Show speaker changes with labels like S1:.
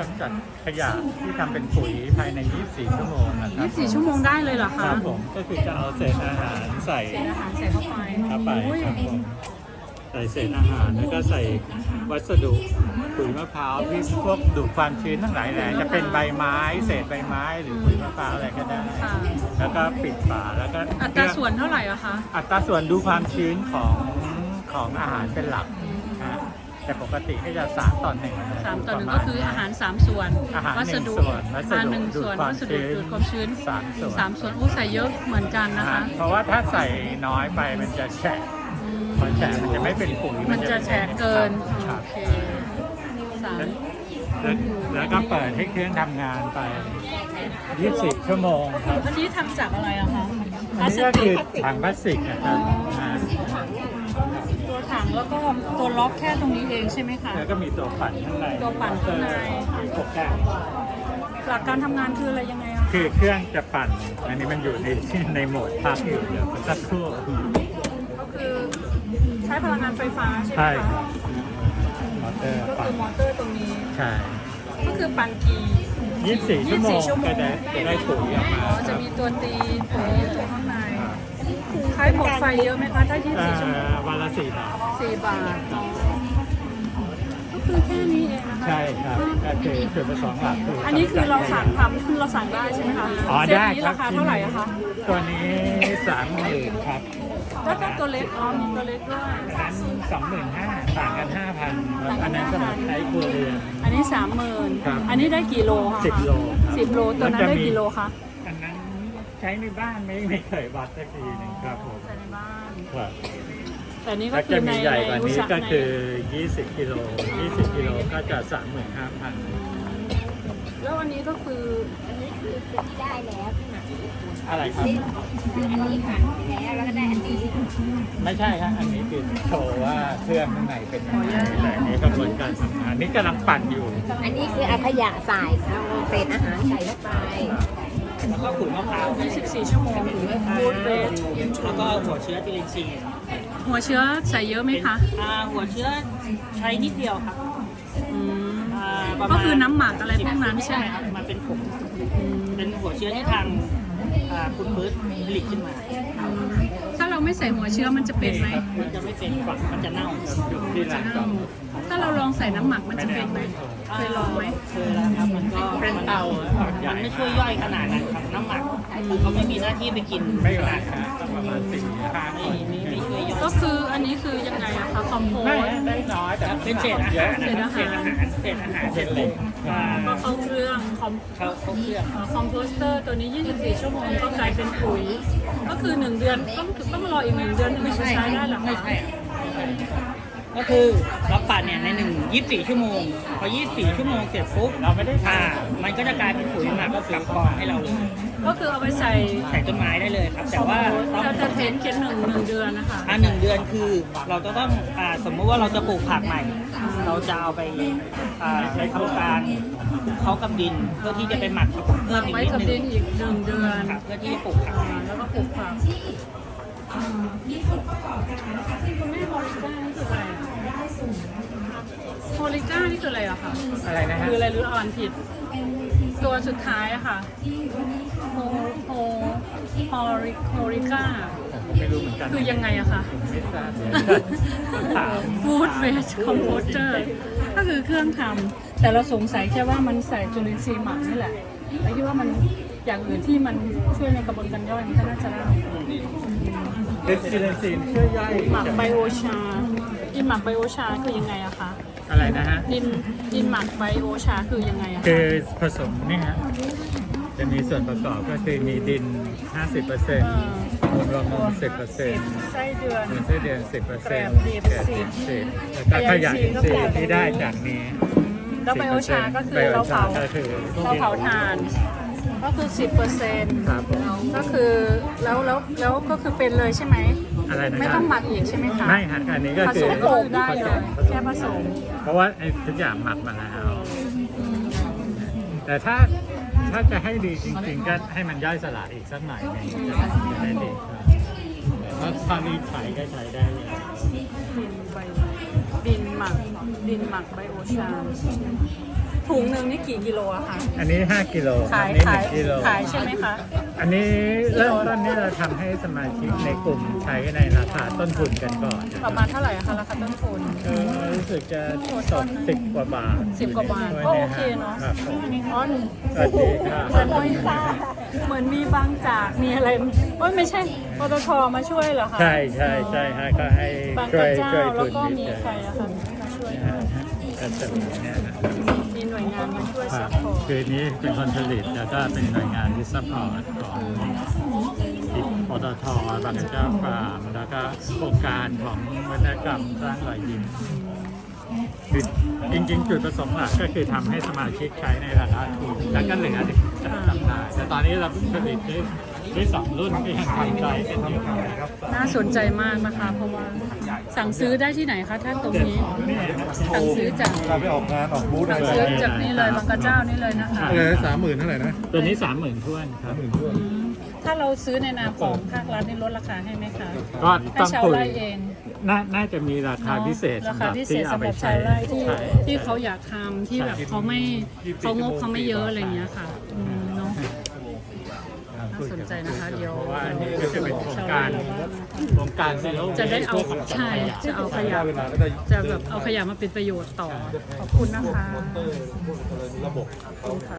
S1: กำจัดขยะที่ทำเป็นปุ๋ยภายใน 24 ชั่วโมงนะครับ
S2: 24 ชั่วโมงได้เลยเหรอ
S1: ค
S2: คะ
S1: รับผมก็คือจะเอาเศษอาหารใส่
S2: เศษอาหารใส่เข้าไป
S1: ครับไป
S2: อุ้ย
S1: ครับผมใส่เศษอาหารแล้วก็ใส่วัสดุปุ๋ยมะพร้าวที่พวกดูดความชื้นทั้งหลายแหละจะเป็นใบไม้เศษใบไม้หรือปุ๋ยมะพร้าวอะไรก็ได้
S2: ค่ะ
S1: แล้วก็ปิดฝาแล้วก็
S2: อัตราส่วนเท่าไหร่อะคะ
S1: อัตราส่วนดูความชื้นของอาหารเป็นหลักนะแต่ปกติก็จะ3:1
S2: 3 ต่อ 1ก็คืออาหาร 3 ส่วน
S1: อาหาร
S2: วัสดุ
S1: 1 ส่วนวัส
S2: อาหาร
S1: ดุ
S2: 1 ส่วน
S1: ดูดควา
S2: วั
S1: ม
S2: สดุ
S1: ชื้น
S2: ดูดความชื้น
S1: 3 ส่วน
S2: 3 ส่วนอู้ใส่เยอะเหมือนกันนะคะ
S1: เพราะว่าถ้าใส่น้อยไปมันจะแฉะพอแฉะมันจะไม่เป็นปุ๋ย
S2: มันจะแฉะเกิน
S1: ค
S2: โอ
S1: รับ
S2: เคสาม
S1: แล้วก็เปิดให้เครื่องทำงานไป 24 ชั่วโมงครับ
S2: อันนี้ทำจากอะไรอะคะพ
S1: อั
S2: ลาน ส
S1: นี้ก็
S2: ติ
S1: คือก ถังพลาสติกนะครับา
S2: ตัวถังแล้วก็ตัวล็อกแค่ตรงนี้เองใช่ไหมคะ
S1: แล้วก็มีตัวปั่นข้างใน
S2: ตัวปั่นข้างใน
S1: มีโปรแกรม
S2: หลักการทำงานคืออะไรยังไงอะ
S1: คือเครื่องจะปั่น อันนี้มันอยู่ในโหมดพักอยู่เดี๋ยวสักครู่
S2: ก็คือใช้พลังงานไฟฟ้าใช่ไหม
S1: ใช่
S2: คะ
S1: มอเตอร์
S2: ก็
S1: ปั่
S2: คื
S1: น
S2: อมอเตอร์ตรงนี้
S1: ใช่
S2: ก็คือปั่นกี่
S1: 24 ชั่วโมง
S2: 24 ชั่วโมง
S1: ก็จะได้ปุ๋ยออกมา
S2: อ๋อจะมีตัวตีปุ๋ยอยู่ข้างในใช้หมดไฟเยอะไหมคะถ้า24 ชั่วโมง
S1: วันละ4 บาท
S2: 4 บาทอ๋อก็คือแค่นี้เองนะคะ
S1: ใช่ครับก็คือจุดประสงค์หลักคือ
S2: อั
S1: อั
S2: นนี้คือเราสั่งทำคือเราสั่งได้ใช่ไหมคะ
S1: อ๋อ
S2: เซต
S1: ได้
S2: นี้
S1: ครับ
S2: ราคาเท่าไหร่อะคะ
S1: ตัวนี้30,000ครับ
S2: แล้วก็ตัวเล็กอ๋อมีตัวเล็กด้วย
S1: อัน25,000ต่างกัน 5,000แล้วอันนั้นสำหรับใช้ครัวเรือน
S2: อันนี้
S1: ครับ
S2: 30,000อันนี้ได้กี่โลคะ
S1: 10 โลครับ
S2: 10 โลตัวนั้นได้กี่โลคะ
S1: อันนั้นใช้ในบ้านไม่เคยวัดสักทีหนึงครับผม
S2: ใส่ในบ้าน
S1: ครับ
S2: แต่นี่ก็
S1: แล้ว
S2: คื
S1: จะ
S2: อใน
S1: มีใหญ่กว่านี้ก็
S2: ใน
S1: คือ 20 กิโล 20 กิโลก็จะ 35,000
S2: แล้วอันนี้ก็คือ
S3: อันนี้คือติดได้แล้วพี่หมา
S1: อะไรครับ
S3: อันนี้ค่ะแล้วแล้วก็ได้อันนี้
S1: ไม่ใช่ฮะอันนี้คือโชว์ว่าเครื่องข้างในเป็นยังไงแต่อันนี้กระบวนการทำงานนี่กำลังปั่นอยู่
S3: อันนี้คือเอาขยะใส่เอาเศษอาหารใส่เข้าไป
S4: แล้วก็ขุยมะพร้าว
S2: 24 ชั่วโมงฟูดเวส
S4: แล้วก็หัวเชื้อจุลินทรีย์
S2: หัวเชื้อใส่เยอะไหมคะ
S4: หัวเชื้อใช้นิดเดียวครับ
S2: อืม
S4: ประมาณ
S2: ก็คือน้ำหมักอะไรพวกนั้นใช่ไหม
S4: ครับมันเป็นผงเป็นหัวเชื้อที่ทางคุณเบิร์ตผลิตขึ้นมา
S2: ถ้าเราไม่ใส่หัวเชื้อมันจะเป็นไหม
S4: มันจะไม่เป็นฝักมันจะเน่า
S1: อยู่ที่ร้านจอดรถ
S2: ถ้าเราลองใส่น้ำหมักมันจะเป็นไหมเคยลองไหม
S4: เคยแล้วครับมันก็
S1: เป็นเตาใหญ่
S4: มันไม่ช่วยย่อยขนาดนั้นครับน้ำหมักคือเขาไม่มีหน้าที่ไปกิน
S1: ไม่
S4: ข
S1: ไหว
S4: นาด
S1: ฮะต้องประมาณ4-5
S4: ไม่ช่วยย่อย
S2: ก็คืออันนี้คือยังไงอะคะคอมโพส
S1: ไม่ฮะได้น้อยแต่
S4: เป็นเศษอา
S1: เย
S4: หา
S1: อะ
S4: ร
S1: นะ
S4: เศษอาหารเศษอาหาร
S1: เศษเหล็ก
S2: ก็เข้าเครื่องคอม
S4: เขาเครื่อง
S2: คอมโพสเตอร์ตัวนี้ 24 ชั่วโมงก็กลายเป็นปุ๋ย ก็คือ 1 เดือนต้องรออีก 1 เดือนถึงจะใช้ได้เหรอ
S4: ไม่
S2: คะ
S4: ใช่ก็คือเราปั่นเนี่ยใน24 ชั่วโมง พอ 24 ชั่วโมงเสร็จปุ๊บ
S1: เราไม่ได้ทา
S4: มันก็จะกลายเป็นปุ๋ยหมักก็คือกองให้เราเลย
S2: ก็คือเอาไปใส่
S4: ใส่ต้นไม้ได้เลยครับ แต่ว่าต้อง
S2: จะเทนเขียนหนึ่งเดือนนะคะ
S4: 1 เดือนคือเราจะต้องสมมติว่าเราจะปลูกผักใหม่ เราจะเอาไปใช้ทำการคลุกเขากับดิน เพื่อที่จะไปหมักเพิ่มอีก
S2: ไว้
S4: นิด
S2: กับ
S4: นึ
S2: ดิ
S4: ง
S2: นอีก 1 เดือน
S4: ครับเพื่อที่จะปลูกผัก
S2: แล้วก็ปลูกผักคุณแม่โมริก้านี่คืออะไรโมริก้านี่คืออะไรอะคะ
S1: อะไรนะฮะ
S2: คืออะไรหรืออ่านผิด ตัวสุดท้ายอะค่ะโฮริก้า
S1: ผมไม่รู้เหมือนกัน
S2: คือยังไงอะคะ
S1: ไม่ทราบเลยต้องถาม
S2: ฟู้ดเวสคอมโพสเตอร์ก็คือเครื่องทำแต่เราสงสัยแค่ว่ามันใส่จุลินทรีย์หมักนี่แหละแล้วคิดว่ามันอย่างอื่นที่มันช่วยในกระบวนการย่อยมันก็น่าจะได้
S1: เดซิเลนซีนช่วยย่อย
S2: หมักไบโอชาดินหมักไบโอชาคือยังไงอะคะ
S1: อะไรนะฮะ
S2: ดินหมักไบโอชาคือยังไงอะ
S1: คื
S2: คะ
S1: อผสมนี่ฮะจะมีส่วนประกอบก็คือมีดิน 50%มูลละมง10%
S2: ไส้เดือน
S1: มูลไส้เดือน 10%
S2: แกลบดิบ
S1: แกลบดิบ10แล้วก็ขยะอินทรีย์ที่ได้จากนี้
S2: แล้วไบโอชาก็คือ
S1: ไบโอ
S2: เรา
S1: ชา
S2: เผา
S1: ก็คือ
S2: เราเผาถ่านก็คือ 10%
S1: ครับผม
S2: ก็คือแล้วก็คือเป็นเลยใช่ไหม
S1: อะไรนะ
S2: ไม่
S1: ค
S2: ต้
S1: รั
S2: อบ งหมักอีกใช่ไหมคะ
S1: ไม่ฮะอันนี้ก็
S2: ผ
S1: คื
S2: ส
S1: อ
S2: มก็คือได้เลยแค่ผสม
S1: เพราะว่าไอ้ทุกอย่างหมักมาแล้ว แต่ถ้าจะให้ดีจริงๆ ก็ให้มันย่อยสลายอีกสักหน่อยหนึงจะได้ดีครับแต่ถ้ามีใช้ก็ใช้ได้เลย
S2: ดินหมักไบโอชาถุงหนึ่งนี่กี่กิโลอะคะ
S1: อันนี้ 5 กิโล
S2: ขาย
S1: อันนี้
S2: ขาย
S1: 1กิโล
S2: ขายใช่ไหมคะ
S1: อันนี้เริ่มต้นนี่เราทำให้สมาชิกในกลุ่มใช้ในราคาต้นทุนกันก่อนนะ
S2: ประมาณเท่าไหร่อะคะราคาต้นทุน
S1: รู้สึกจะตก10 กว่าบาท
S2: 10 กว่าบาทก็โอเคเนาะ
S1: ครับผม
S2: อ๋อ
S1: สวัสดีค่ะ
S2: เหมือนมีบางจากมีอะไรไม่ใช่ปตทมาช่วยเหรอคะ
S1: ใช่ใช่ใช่ฮะก็ให้
S2: บาง
S1: ช่
S2: ก
S1: ว
S2: ระ
S1: ย
S2: เจ้า
S1: ช่วย
S2: แล้ว
S1: ทุน
S2: ก็
S1: นิด
S2: มี
S1: เดียว
S2: ใครอะคะมาช่วย
S1: ก็จะมีเนี่ยนะ
S2: มีหน่วยงานมาช่วย
S1: ค
S2: ซั
S1: รับ
S2: พพอร์ต
S1: คือนี้เป็นคนผลิตแล้วก็เป็นหน่วยงานที่ซัพพอร์ตของปตทบางกระเจ้าฟาร์มแล้วก็โครงการของวัฒนกรรมสร้างรอยยิ้มคือจริงๆจุดประสงค์หลักก็คือทำให้สมาชิกใช้ในราคาถูกแล้วก็เหลือจะจำได้แต่ตอนนี้เราเพิ่งผลิตด้วย2 รุ่นก็ยังทำใจกันอยู่
S2: น่าสนใจมากนะคะ เพราะว่าสั่งซื้อได้ที่ไหนคะท่านตรงนี้ สั่งซื้อจาก
S5: เราไปออกงานออกบูธอะ
S2: สั่ง
S5: ไร
S2: ซื้อจากนี่เลยบางกระเจ้านี่เลยนะคะ
S5: อะไร30,000เท่าไหร่นะ
S1: ตัวนี้ 30,000ท้วนครับ
S5: 30,000ทั่ว
S2: ถ้าเราซื้อในนามของภาครัฐนี่ลดราคาให้ไหมคะ
S1: ก็
S2: ให้
S1: ต้อง
S2: ชาว
S1: คุย
S2: ไร่เอง
S1: น่าจะมีราคาพิเศษ
S2: รา
S1: สำห
S2: คา
S1: รับ
S2: พิเศ
S1: ที่
S2: ษ
S1: เอา
S2: สำ
S1: ไป
S2: หรับ
S1: ใช้
S2: ชาวไร่ที่
S1: ใช่
S2: ที่เขาอยากทำที่แบบเขางบเขาไม่เยอะอะไรอย่างเงี้ยค่ะเนาะ น่าสนใจนะคะเดี๋ยว
S1: เพราะว่าอันนี้ก็จะเป็นโครงการซีโร่
S2: จะได้เอาใช่จะเอาขยะจะแบบเอาขยะมาเป็นประโยชน์ต่อ ขอบคุณนะคะ
S5: ระบบ
S2: ขอบคุณค่ะ